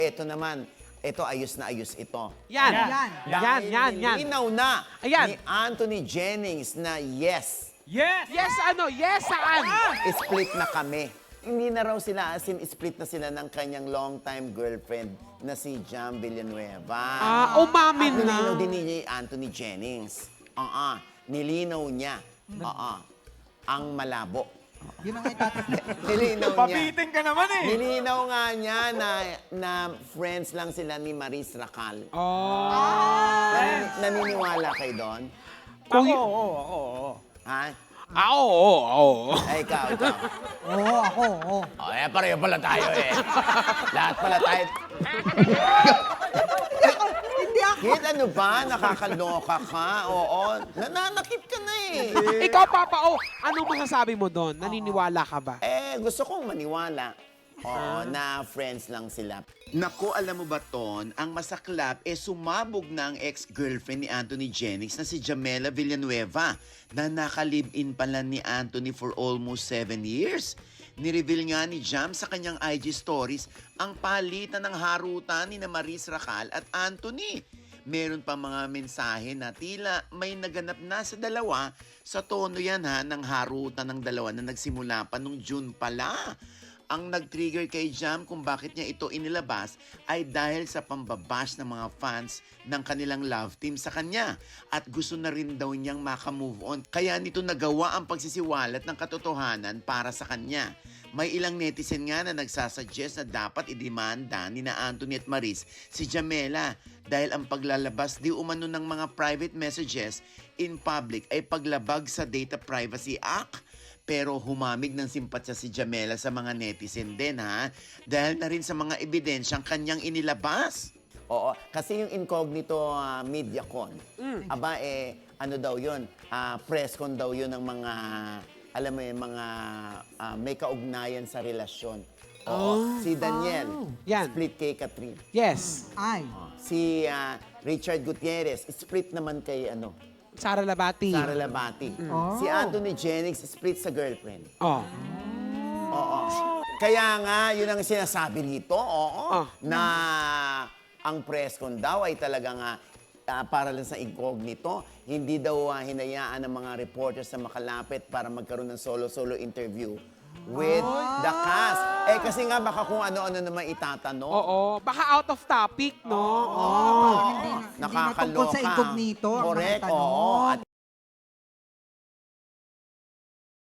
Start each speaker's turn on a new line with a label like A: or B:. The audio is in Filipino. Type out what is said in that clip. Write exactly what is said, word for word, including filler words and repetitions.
A: Ito naman, ito ayos na ayos ito.
B: Yan.
C: Yan.
B: Yan,
A: Dahil
B: yan, yan.
A: nilinaw na
B: Ayan.
A: ni Anthony Jennings na yes,
C: Yes!
B: Yes, ano? Yes, saan?
A: split na kami. Hindi na raw sila, as in, split na sila ng kanyang long-time girlfriend na si Jam Villanueva.
B: Ah, umamin
A: At nilinaw
B: na.
A: din ni Anthony Jennings. Oo, nilinaw niya. Oo, ang malabo.
D: Yun ang itatatlo.
A: Nilinaw niya.
C: Pabitin ka naman eh!
A: Nilinaw nga niya na, na friends lang sila ni Maris Racal.
B: Oh.
A: Nan- naniniwala kayo doon?
B: Kung
C: Ako,
B: y-
C: oo, oo, oo.
A: Ha?
B: Ah, oo, oo, oo.
A: Ay, ikaw, ikaw.
D: Oo, ako, oo.
A: Oh, eh, pareho pala tayo eh. Lahat pala tayo.
D: Hindi ako.
A: Kit, ano ba? Nakakaloka ka? Oo. Nananakit ka na eh.
B: Ikaw, Papa, oh, anong masasabi mo doon? Naniniwala ka ba?
A: Eh, gusto kong maniwala. Oo, na friends lang sila. Naku, alam mo ba, Ton, ang masaklap eh sumabog na ang ex-girlfriend ni Anthony Jennings na si Jamela Villanueva na naka-live-in pala ni Anthony for almost seven years. Nireveal nga ni Jam sa kanyang I G stories ang palitan ng harutan ni na Maris Racal at Anthony. Meron pa mga mensahe na tila may naganap na sa dalawa. Sa tono yan ha, ng harutan ng dalawa na nagsimula pa nung June pala. Ang nag-trigger kay Jam kung bakit niya ito inilabas ay dahil sa pambabash ng mga fans ng kanilang love team sa kanya. At gusto na rin daw niyang makamove on. Kaya nito nagawa ang pagsisiwalat ng katotohanan para sa kanya. May ilang netizen nga na nagsasuggest na dapat idemanda ni na Anthony at Maris si Jamela dahil ang paglalabas di umano ng mga private messages in public ay paglabag sa Data Privacy Act. Pero humamig ng simpatya si Jamela sa mga netizen din ha dahil na rin sa mga ebidensyang kanyang inilabas. Oo, kasi yung incognito uh, MediaCon, aba eh, ano daw yun, uh, press con daw yun ng mga, alam mo yung mga uh, may kaugnayan sa relasyon. Oo, si Daniel,
B: Yan.
A: split kay Catherine.
B: Yes.
D: Ay.
A: Si uh, Richard Gutierrez, split naman kay ano,
B: Sara Labati.
A: Sara Labati.
D: Oh.
A: Si Anthony Jennings, split sa girlfriend.
B: Oh.
A: Oo. Kaya nga, yun ang sinasabi rito, oo,
B: Ah.
A: na ang press con daw ay talaga nga ah, para lang sa incognito. Hindi daw ah, hinayaan ng mga reporters na makalapit para magkaroon ng solo-solo interview with the cast. Eh kasi nga baka kung ano-ano naman itatanong.
B: Oo. Baka out of topic, no?
D: Oo. Hindi na- hindi na tungkol
A: Nakakaloka.
D: sa incognito ang mga
A: Correct,
D: tanong.
A: oo. At